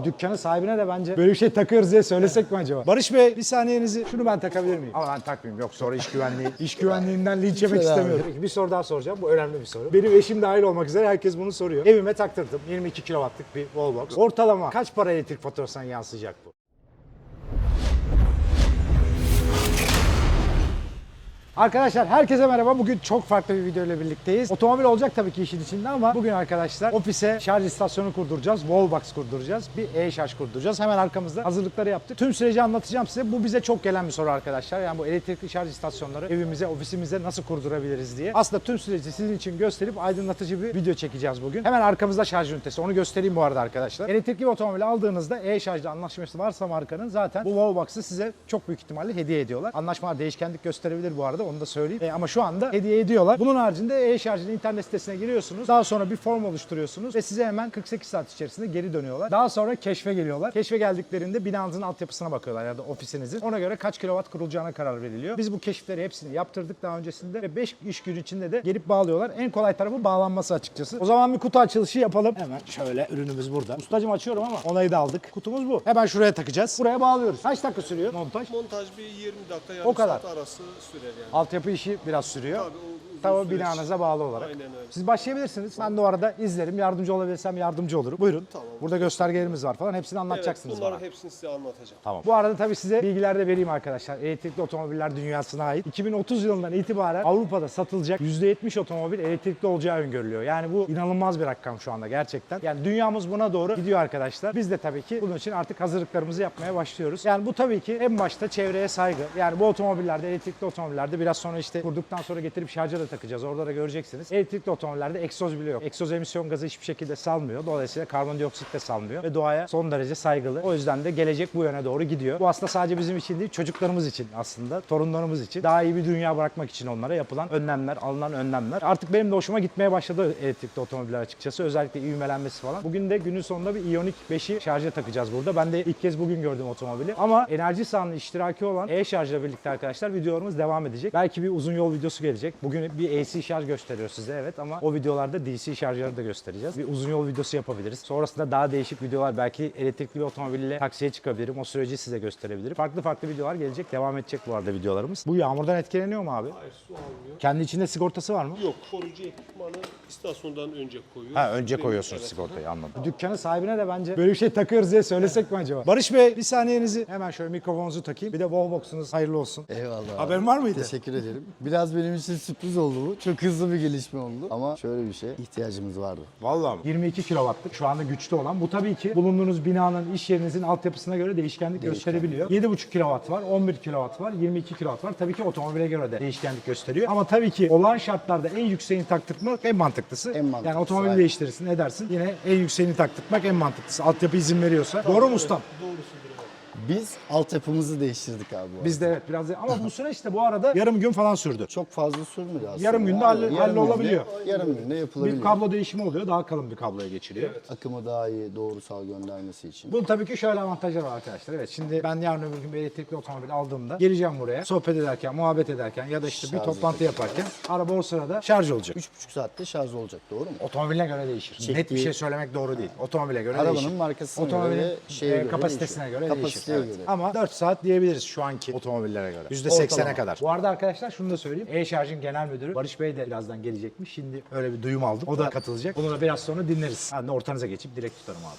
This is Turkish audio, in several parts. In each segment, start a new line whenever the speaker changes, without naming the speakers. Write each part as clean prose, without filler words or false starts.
Dükkanın sahibine de bence böyle bir şey takıyoruz diye söylesek mi acaba? Barış Bey, bir saniyenizi, şunu ben takabilir miyim? Ama ben takmayayım. Yok, sonra iş güvenliğinden linç yemek istemiyorum. Peki, bir soru daha soracağım. Bu önemli bir soru. Benim eşim dahil olmak üzere herkes bunu soruyor. Evime taktırdım. 22 kW'lık bir wallbox. Ortalama kaç para elektrik faturasına yansıyacak bu? Arkadaşlar herkese merhaba. Bugün çok farklı bir video ile birlikteyiz. Otomobil olacak tabii ki işin içinde ama bugün arkadaşlar ofise şarj istasyonu kurduracağız. Wallbox kurduracağız. Bir e-şarj kurduracağız. Hemen arkamızda hazırlıkları yaptık. Tüm süreci anlatacağım size. Bu bize çok gelen bir soru arkadaşlar. Yani bu elektrikli şarj istasyonları evimize, ofisimize nasıl kurdurabiliriz diye. Aslında tüm süreci sizin için gösterip aydınlatıcı bir video çekeceğiz bugün. Hemen arkamızda şarj ünitesi. Onu göstereyim bu arada arkadaşlar. Elektrikli bir otomobil aldığınızda e-şarjla anlaşması varsa markanın zaten bu Wallbox'ı size çok büyük ihtimalle hediye ediyorlar. Anlaşmalar değişkenlik gösterebilir bu arada. Onu da söyleyeyim. Ama şu anda hediye ediyorlar. Bunun haricinde e-şarjın internet sitesine giriyorsunuz. Daha sonra bir form oluşturuyorsunuz ve size hemen 48 saat içerisinde geri dönüyorlar. Daha sonra keşfe geliyorlar. Keşfe geldiklerinde binanızın altyapısına bakıyorlar ya da ofisinizin. Ona göre kaç kilowatt kurulacağına karar veriliyor. Biz bu keşifleri hepsini yaptırdık daha öncesinde ve 5 iş günü içinde de gelip bağlıyorlar. En kolay tarafı bağlanması açıkçası. O zaman bir kutu açılışı yapalım. Hemen şöyle, ürünümüz burada. Ustacığım açıyorum ama onayı da aldık. Kutumuz bu. Hemen şuraya takacağız. Buraya bağlıyoruz. Kaç dakika sürüyor montaj?
Montaj bir 20 dakika, yarım
O kadar
saat arası sürer yani.
Altyapı işi biraz sürüyor. Tabii binanıza bağlı olarak.
Aynen öyle.
Siz başlayabilirsiniz. Ben de o arada izlerim. Yardımcı olabilirsem yardımcı olurum. Buyurun.
Tamam.
Burada göstergelerimiz var falan. Hepsini anlatacaksınız
Evet, bunların
bana.
hepsini size anlatacağım.
Tamam. Bu arada tabii size bilgiler de vereyim arkadaşlar. Elektrikli otomobiller dünyasına ait. 2030 yılından itibaren Avrupa'da satılacak %70 otomobil elektrikli olacağı öngörülüyor. Yani bu inanılmaz bir rakam şu anda gerçekten. Yani dünyamız buna doğru gidiyor arkadaşlar. Biz de tabii ki bunun için artık hazırlıklarımızı yapmaya başlıyoruz. Yani bu tabii ki en başta çevreye saygı. Yani bu otomobillerde, elektrikli otomobillerde biraz sonra işte kurduktan sonra getirip şarja da takacağız. Orada da göreceksiniz. Elektrikli otomobillerde egzoz bile yok. Egzoz emisyon gazı hiçbir şekilde salmıyor. Dolayısıyla karbondioksit de salmıyor ve doğaya son derece saygılı. O yüzden de gelecek bu yöne doğru gidiyor. Bu aslında sadece bizim için değil, çocuklarımız için aslında, torunlarımız için. Daha iyi bir dünya bırakmak için onlara yapılan önlemler, alınan önlemler. Artık benim de hoşuma gitmeye başladı elektrikli otomobiller açıkçası. Özellikle ivmelenmesi falan. Bugün de günün sonunda bir Ioniq 5'i şarja takacağız burada. Ben de ilk kez bugün gördüm otomobili. Ama enerji sahanın iştiraki olan e-şarjla birlikte arkadaşlar videolarımız devam edecek. Belki bir uzun yol videosu gelecek. Bugün bir AC şarj gösteriyor size, evet, ama o videolarda DC şarjları da göstereceğiz. Bir uzun yol videosu yapabiliriz. Sonrasında daha değişik videolar, belki elektrikli bir otomobille taksiye çıkabilirim. O süreci size gösterebilirim. Farklı videolar gelecek. Devam edecek bu arada videolarımız. Bu yağmurdan etkileniyor mu abi?
Hayır, su almıyor.
Kendi içinde sigortası var mı?
Yok, koruyucu ekipmanı istasyondan önce koyuyoruz.
Ha, önce koyuyorsunuz
Evet.
sigortayı, anladım. Dükkanın sahibine de bence böyle bir şey takıyoruz diye söylesek mi acaba? Barış Bey, bir saniyenizi, hemen şöyle mikrofonunuzu takayım. Bir de wallbox'unuz hayırlı olsun.
Eyvallah.
Haberin var mıydı?
Teşekkür ederim. Biraz benim için sürpriz oldu bu. Çok hızlı bir gelişme oldu. Ama şöyle bir şey, ihtiyacımız vardı.
Vallahi 22 kW'lık şu anda güçlü olan. Bu tabii ki bulunduğunuz binanın, iş yerinizin altyapısına göre değişkenlik gösterebiliyor. 7,5 kW var, 11 kW var, 22 kW var. Tabii ki otomobile göre de değişkenlik gösteriyor. Ama tabii ki olağan şartlarda en yükseğini taktırmak en mantıklısı.
En mantıklısı.
Yani otomobili değiştirirsin, edersin. Yine en yükseğini taktırmak en mantıklısı. Altyapı izin veriyorsa. Doğru mu ustam?
Doğrusudur.
Biz altyapımızı değiştirdik abi bu arada.
Biz de evet biraz ama bu süreç de bu arada yarım gün falan sürdü.
Çok fazla sürmedi aslında.
Yarım günde hallolabiliyor.
Yarım günde yapılabiliyor.
Bir kablo değişimi oluyor, daha kalın bir kabloya geçiriyor.
Akımı daha iyi, doğrusal göndermesi için.
Bunun tabii ki şöyle avantajları var arkadaşlar. Evet, şimdi ben yarın öbür gün bir elektrikli otomobil aldığımda geleceğim buraya. Sohbet ederken, muhabbet ederken ya da işte bir
Şarj
toplantı yaparken araba o sırada şarj olacak.
3,5 saatte şarj olacak, doğru mu?
Otomobiline göre değişir. Net bir şey söylemek doğru değil. Otomobile göre
Arabanın
değişir.
markasına
Otomobilin
göre, şeye göre
kapasitesine
değişiyor.
göre
Kapasiteye
değişir. Evet.
göre.
Ama 4 saat diyebiliriz şu anki otomobillere göre. %80'e
Ortalama.
kadar. Bu arada arkadaşlar şunu da söyleyeyim. E-Şarj'ın genel müdürü Barış Bey de birazdan gelecekmiş. Şimdi öyle bir duyum aldım. O da katılacak. Onu da biraz sonra dinleriz. Ben de ortanıza geçip direkt tutarım abi.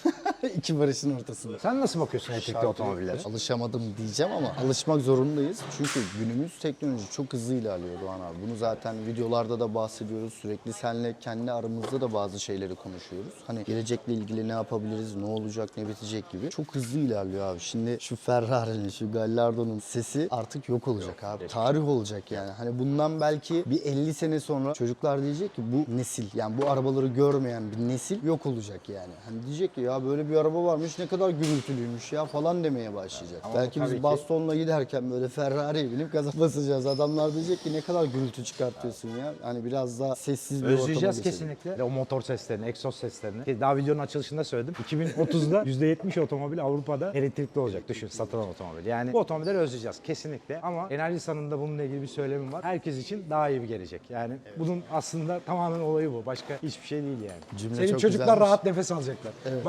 İki barışın ortasında.
Sen nasıl bakıyorsun elektrikli otomobillere?
Alışamadım diyeceğim ama alışmak zorundayız. Çünkü günümüz teknoloji çok hızlı ilerliyor Doğan abi. Bunu zaten videolarda da bahsediyoruz. Sürekli seninle kendi aramızda da bazı şeyleri konuşuyoruz. Hani gelecekle ilgili ne yapabiliriz, ne olacak, ne bitecek gibi. Çok hızlı ilerliyor abi. Şimdi şu Ferrari'nin, şu Gallardo'nun sesi artık yok olacak abi. Tarih olacak yani. Hani bundan belki bir 50 sene sonra çocuklar diyecek ki bu nesil, yani bu arabaları görmeyen bir nesil yok olacak yani. Hani diyecek ki ya böyle bir araba varmış, ne kadar gürültülüymüş ya falan demeye başlayacak.
Ama
Belki
tabii
biz
ki
bastonla giderken böyle Ferrari'ye binip gaza basacağız. Adamlar diyecek ki ne kadar gürültü çıkartıyorsun ya. Hani biraz daha sessiz bir ortama
Özleyeceğiz
geçelim.
kesinlikle. O motor seslerini, egzoz seslerini. Daha videonun açılışında söyledim. 2030'da %70 otomobil Avrupa'da elektrikli olacak. Düşün, satılan otomobil. Yani bu otomobilleri özleyeceğiz kesinlikle. Ama Enerjisa'nın da bununla ilgili bir söylemim var. Herkes için daha iyi bir gelecek. Yani bunun aslında tamamen olayı bu. Başka hiçbir şey değil yani.
Cümle
Senin
çok
çocuklar
güzelmiş.
rahat nefes alacaklar.
Evet.
Bak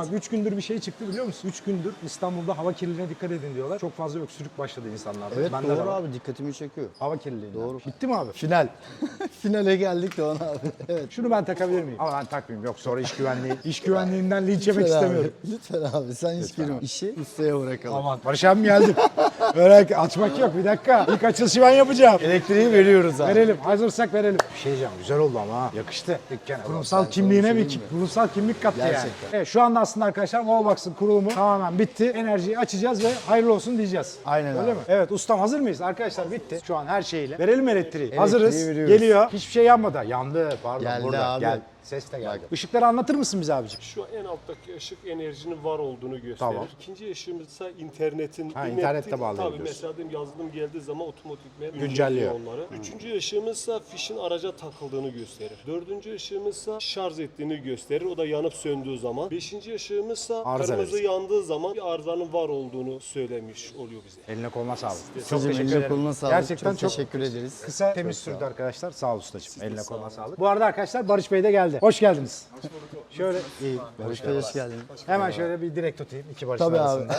3 gündür bir şey çıktı biliyor musun? 3 gündür İstanbul'da hava kirliliğine dikkat edin diyorlar. Çok fazla öksürük başladı insanlarda.
Evet
Bende de
doğru
var.
abi, dikkatimi çekiyor.
Hava kirliliği.
Doğru.
Bitti mi abi?
Final. Finale geldik Doğan abi. Evet.
Şunu ben takabilir miyim? Ama ben takmayayım. Yok sonra iş güvenliği. İş güvenliğinden linç yemek
Lütfen
istemiyorum.
Abi, lütfen abi sen hiç girme. İşi ustaya bırakalım.
Aman Barış abim geldi. Öyle açmak yok, bir dakika. İlk açılışı ben yapacağım.
Elektriği veriyoruz abi.
Verelim. Hazırsak verelim. Bir şey diyeceğim. Güzel oldu ama ha. Yakıştı. Dükkana. Kurumsal
ben
kimliğine
sana bir
bir
şey diyeyim
kurumsal kimlik kattı yani.
Gerçekten.
Evet, şu anda aslında arkadaşlar Wallbox'ın kurulumu tamamen bitti. Enerjiyi açacağız ve hayırlı olsun diyeceğiz.
Aynen
Öyle
abi.
mi? Evet ustam, hazır mıyız? Arkadaşlar bitti. Şu an her şeyle. Verelim elektriği. Hazırız.
veriyoruz.
Geliyor. Hiçbir şey yanmadı. Yandı. Pardon.
Geldi
burada.
abi.
Gel. Ses de geldi. Işıkları anlatır mısın bize abicim?
Şu en alttaki ışık enerjinin var olduğunu gösterir.
Tamam.
İkinci ışığımız ise internetin.
Ha, internette
Tabii
bağlayabiliyorsun.
mesela diyelim yazılım geldiği zaman otomatikman
Güncelliyor.
onları. Üçüncü ışığımız ise fişin araca takıldığını gösterir. Dördüncü ışığımız ise şarj ettiğini gösterir. O da yanıp söndüğü zaman. Beşinci ışığımız ise
Arıza
kırmızı
verir.
yandığı zaman bir arızanın var olduğunu söylemiş oluyor bize.
Eline koluna sağlık. Çok
Ustacığım,
teşekkür
eline
ederim.
koluna sağlık.
Gerçekten çok
teşekkür ederiz.
kısa, temiz
Çok sağ
sürdü
ol.
arkadaşlar. Sağ ol ustacığım. Eline koluna sağlık. Bu arada arkadaşlar Barış Bey de geldi. Hoş geldiniz. Şöyle iyi.
Barış Bey hoş geldin.
Hemen şöyle bir direkt tutayım iki Barış'ın
Tabii abi.
arasında.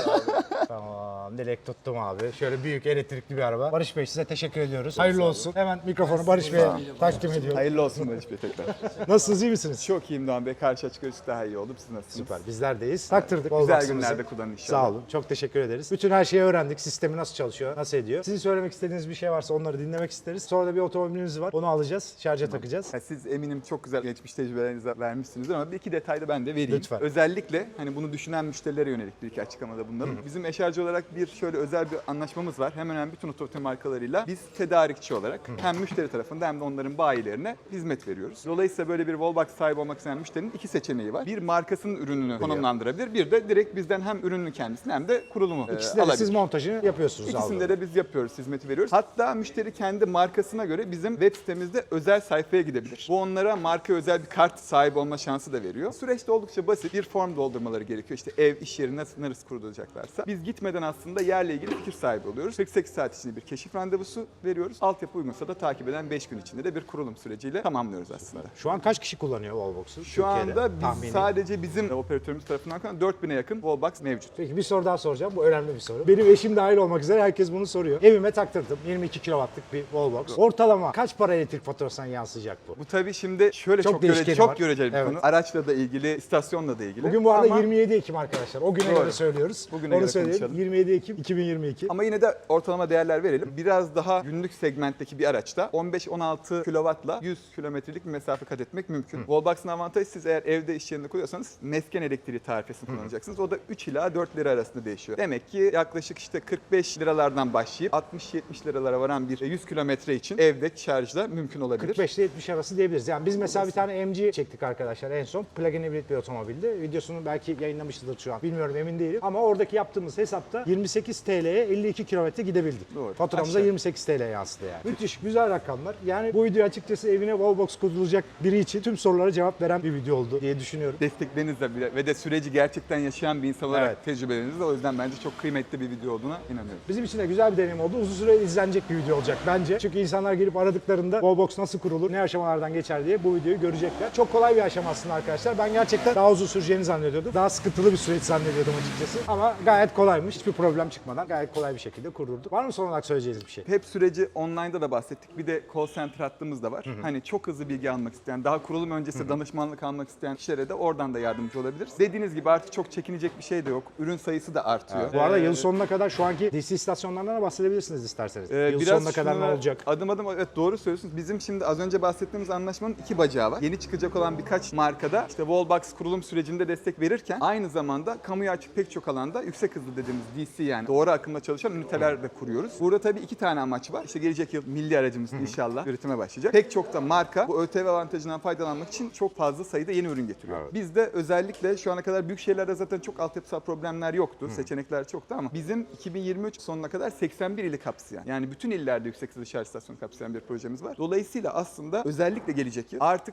Tamam, direkt tuttum abi. Şöyle büyük elektrikli bir araba. Barış Bey size teşekkür ediyoruz. Hayırlı olsun. Hemen mikrofonu Barış Bey'e takdim ediyorum.
Hayırlı olsun Barış Bey tekrar.
Nasılsınız, iyi misiniz?
Çok iyiyim Doğan Bey. Karşı açık ışık daha iyi oldu. Siz nasılsınız?
Süper. Bizler deyiz. Taktırdık.
Güzel
Wallbox'ımızı.
günlerde kullanın inşallah.
Sağ olun. Çok teşekkür ederiz. Bütün her şeyi öğrendik. Sistemi nasıl çalışıyor, nasıl ediyor. Sizin söylemek istediğiniz bir şey varsa onları dinlemek isteriz. Sonra da bir otomobilimiz var. Onu alacağız. Şarja takacağız.
Ya siz eminim çok güzel geçmiş tecrübelerinizi vermişsinizdir ama bir iki detay da ben de vereyim.
Lütfen.
Özellikle hani bunu düşünen müşterilere yönelik bir iki açıklamada bunların. Bizim eşarcı olarak bir şöyle özel bir anlaşmamız var. Hemen hemen bütün otomotiv markalarıyla biz tedarikçi olarak hem müşteri tarafında hem de onların bayilerine hizmet veriyoruz. Dolayısıyla böyle bir Wallbox sahibi olmak isteyen müşterinin iki seçeneği var. Bir markasının ürününü konumlandırabilir. Bir de direkt bizden hem ürünün kendisini hem de kurulumu
İkisinde de
alabilir.
siz montajını yapıyorsunuz.
İkisinde de biz yapıyoruz, hizmeti veriyoruz. Hatta müşteri kendi markasına göre bizim web sitemizde özel sayfaya gidebilir. Bu onlara marka özel bir kart sahibi olma şansı da veriyor. Süreç de oldukça basit. Bir form doldurmaları gerekiyor. İşte ev, iş yeri nasıl kurulacaklarsa. Biz gitmeden aslında yerle ilgili fikir sahibi oluyoruz. 48 saat içinde bir keşif randevusu veriyoruz. Altyapı uygunsa da takip eden 5 gün içinde de bir kurulum süreciyle tamamlıyoruz aslında.
Şu an kaç kişi kullanıyor Wallbox'u?
Şu anda biz
tahmini.
sadece bizim operatörümüz tarafından 4000'e yakın Wallbox mevcut.
Peki bir soru daha soracağım. Bu önemli bir soru. Benim eşim dahil olmak üzere herkes bunu soruyor. Evime taktırdım. 22 kW'lık bir Wallbox. Ortalama kaç para elektrik faturasına yansıyacak bu?
Bu tabii şimdi şöyle
Çok
çok,
değişkeni
çok
var.
göreceli bir
Evet.
konu. Araçla da ilgili, istasyonla da ilgili.
Bugün bu arada
Ama-
27 Ekim arkadaşlar. O güne
Doğru.
göre söylüyoruz.
Bugüne
Onu
göre
söyleyelim.
konuşalım.
27 Ekim 2022.
Ama yine de ortalama değerler verelim. Biraz daha günlük segmentteki bir araçta 15-16 kW'la 100 kilometrelik bir mesafe kat etmek mümkün. Wallbox'ın avantajı, siz eğer evde iş yerinde kuruyorsanız mesken elektriği tarifesini kullanacaksınız. O da 3 ila 4 lira arasında değişiyor. Demek ki yaklaşık işte 45 liralardan başlayıp 60-70 liralara varan bir 100 kilometre için evde şarjla mümkün olabilir.
45 ile 70 arası diyebiliriz. Yani biz mesela bir tane MG çektik arkadaşlar en son. Plug-in hibrit bir otomobildi. Videosunu belki yayınlamışızdır şu an. Bilmiyorum, emin değilim. Ama oradaki yaptığımız hesapta 28 TL'ye 52 kilometre gidebildik.
Doğru.
Faturamıza
Aşağı.
28 TL yansıdı yani. Müthiş, güzel rakamlar. Yani bu video açıkçası evine Wallbox kurulacak biri için tüm sorulara cevap veren bir video oldu diye düşünüyorum.
Desteklerinizle bile ve de süreci gerçekten yaşayan bir insan olarak
Evet.
tecrübelerinizle, o yüzden bence çok kıymetli bir video olduğuna inanıyorum.
Bizim için de güzel bir deneyim oldu. Uzun süre izlenecek bir video olacak bence. Çünkü insanlar gelip aradıklarında Wallbox nasıl kurulur, ne aşamalardan geçer diye bu videoyu görecekler. Çok kolay bir aşama aslında arkadaşlar. Ben gerçekten daha uzun süreceğini zannediyordum. Daha sıkıntılı bir süreç zannediyordum açıkçası. Ama gayet kolaymış. Hiçbir problem çıkmadan gayet kolay bir şekilde kurdurduk. Var mı son olarak söyleyeceğiniz bir şey?
Hep süreci online'da da bahsettik. Bir de call center hattımız da var. Hani çok hızlı bilgi almak isteyen, daha kurulum öncesi danışmanlık almak isteyen kişilere de oradan da yardımcı olabiliriz. Dediğiniz gibi artık çok çekinecek bir şey de yok. Ürün sayısı da artıyor.
Bu arada yıl sonuna kadar şu anki DC istasyonlarından da bahsedebilirsiniz isterseniz. Yıl
Biraz
sonuna kadar ne
şunlara
olacak?
Adım adım, evet doğru söylüyorsunuz. Bizim şimdi az önce bahsettiğimiz anlaşmanın iki bacağı var. Yeni çıkacak olan birkaç markada işte Wallbox kurulum sürecinde destek verirken aynı zamanda kamuya açık pek çok alanda yüksek hızlı dediğimiz DC, yani doğru akımda çalışan üniteler de kuruyoruz. Burada tabii iki tane amaç var. İşte gelecek yıl milli aracımız inşallah üretime başlayacak. Pek çok da marka bu ÖTV avantajından faydalanmak için çok fazla sayıda yeni ürün getiriyor.
Evet.
Biz de özellikle şu ana kadar büyük şehirlerde zaten çok altyapısal problemler yoktu. Seçenekler çoktu ama bizim 2023 sonuna kadar 81 ili kapsayan, yani bütün illerde yüksek hızlı şarj istasyonu kapsayan bir projemiz var. Dolayısıyla aslında özellikle gelecek yıl artık sadece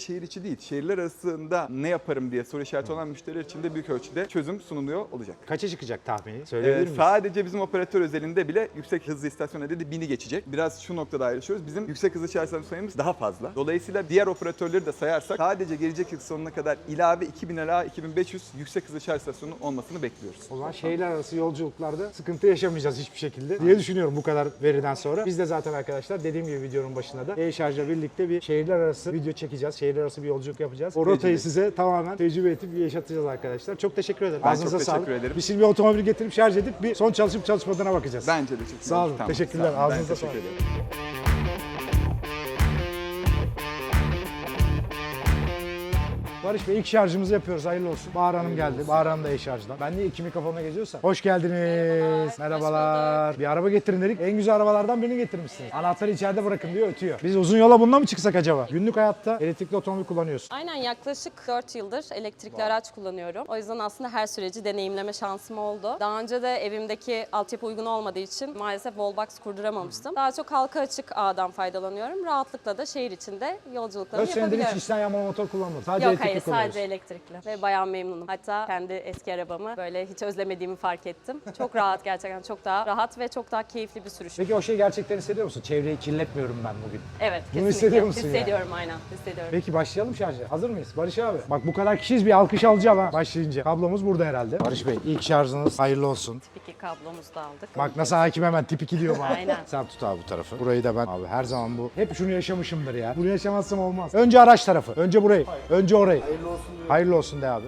şehir içi değil, şehirler arasında ne yaparım diye soru işareti olan müşteriler için de büyük ölçüde çözüm sunuluyor olacak.
Kaça çıkacak tahmini? Söyleyebilir miyiz?
Sadece bizim operatör özelinde bile yüksek hızlı istasyon adedi 1000'i geçecek. Biraz şu noktada ayrışıyoruz. Bizim yüksek hızlı şarj istasyon sayımız daha fazla. Dolayısıyla diğer operatörleri de sayarsak sadece gelecek yıl sonuna kadar ilave 2000 ila 2500 yüksek hızlı şarj istasyonu olmasını bekliyoruz.
O zaman şehirler arası yolculuklarda sıkıntı yaşamayacağız hiçbir şekilde diye düşünüyorum bu kadar veriden sonra. Biz de zaten arkadaşlar dediğim gibi videonun başında da e-şarjla birlikte bir şehirler arası video çekeceğiz. Şehirler arası bir yolculuk yapacağız. O rotayı
Tecrübe.
size tamamen tecrübe edip yaşatacağız arkadaşlar. Çok teşekkür ederim.
Ben
Ağzınıza
çok
sağlık.
teşekkür ederim.
Biz şimdi bir otomobil getirip şarj edip bir son çalışıp çalışmadığına bakacağız.
Bence de çok
Sağ olun. Teşekkürler.
Sağ olun. Ben
Ağzınıza
teşekkür
sağlık.
ederim.
Barış Bey ilk şarjımızı yapıyoruz. Hayırlı olsun. Bahar Hanım geldi. Bahar Hanım da e-şarjdan. Ben niye iki mikrofonla geziyorsam. Hoş geldiniz. Merhabalar. Bir araba getirin dedik. En güzel arabalardan birini getirmişsiniz. Anahtarı içeride bırakın diyor, ötüyor. Biz uzun yola bununla mı çıksak acaba? Günlük hayatta elektrikli otomobil kullanıyorsun.
Aynen, yaklaşık 4 yıldır elektrikli araç kullanıyorum. O yüzden aslında her süreci deneyimleme şansım oldu. Daha önce de evimdeki altyapı uygun olmadığı için maalesef wallbox kurduramamıştım. Daha çok halka açık ağdan faydalanıyorum. Rahatlıkla da şehir içinde yolculuklarımı
4 senedir hiç
yapabiliyorum.
içten yanmalı motor kullanmadın. Sadece
Yok,
elektrikli
hayır,
kullanıyorsun.
sadece elektrikli ve bayağı memnunum. Hatta kendi eski arabamı böyle hiç özlemediğimi fark ettim. Çok rahat, gerçekten çok daha rahat ve çok daha keyifli bir sürüş.
Peki o şeyi gerçekten hissediyor musun? Çevreyi kirletmiyorum ben bugün.
Evet,
Bunu
kesinlikle.
hissediyor musun yani?
Hissediyorum, aynen. Hissediyorum.
Peki başlayalım şarja. Hazır mıyız? Barış abi. Bak bu kadar kişiyiz, bir alkış alacağım ha başlayınca. Kablomuz burada herhalde. Barış Bey ilk şarjınız hayırlı olsun.
Tip 2 kablomuzu da aldık.
Bak nasıl hakim hemen tip 2 diyor bana.
Aynen.
Sen tut abi bu tarafı. Burayı da ben abi her zaman bu. Hep şunu yaşamışımdır ya. Bunu yaşamazsam olmaz. Önce araç tarafı. Önce burayı. Önce orayı. Hayırlı olsun diyor. Hayırlı olsun de abi.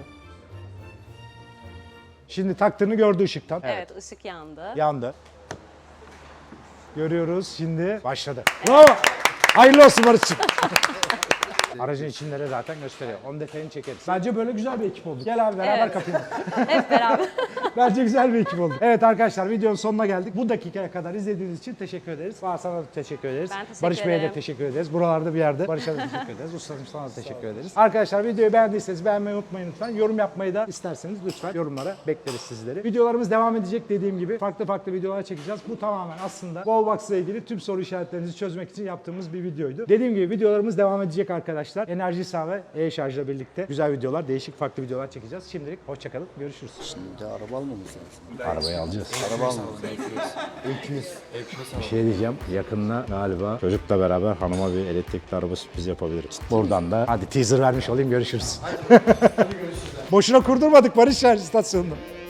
Şimdi taktığını gördü ışıktan.
Evet, ışık yandı.
Yandı. Görüyoruz şimdi. Başladı. Bravo. Hayırlı olsun Barış'cığım. Aracın içinleri zaten gösteriyor. Onun detayını çekeriz. Bence böyle güzel bir ekip olduk. Gel abi beraber
Evet.
kapayım.
Hep beraber.
Bence güzel bir ekip olduk. Evet arkadaşlar videonun sonuna geldik. Bu dakikaya kadar izlediğiniz için teşekkür ederiz. Bahar sana da teşekkür ederiz.
Ben teşekkür
Barış Bey'e de
ederim.
teşekkür ederiz. Buralarda bir yerde Barış'a da teşekkür ederiz. Ustacığım sana da teşekkür ederiz. Arkadaşlar videoyu beğendiyseniz beğenmeyi unutmayın lütfen. Yorum yapmayı da isterseniz lütfen yorumlara bekleriz sizleri. Videolarımız devam edecek dediğim gibi. Farklı videolar çekeceğiz. Bu tamamen aslında Wallbox ile ilgili tüm soru işaretlerinizi çözmek için yaptığımız bir videoydu. Dediğim gibi videolarımız devam edecek arkadaşlar. Enerji sağ ve e-şarjla birlikte güzel videolar, değişik farklı videolar çekeceğiz. Şimdilik hoşçakalın. Görüşürüz.
Şimdi araba almamız lazım.
Arabayı alacağız.
Araba almamız lazım. İlkimiz.
Bir şey diyeceğim. Yakında galiba çocukla beraber hanıma bir elektrikli araba sürpriz yapabiliriz. Buradan da hadi teaser vermiş olayım, görüşürüz. Boşuna kurdurmadık Barış Şarj istasyonunu.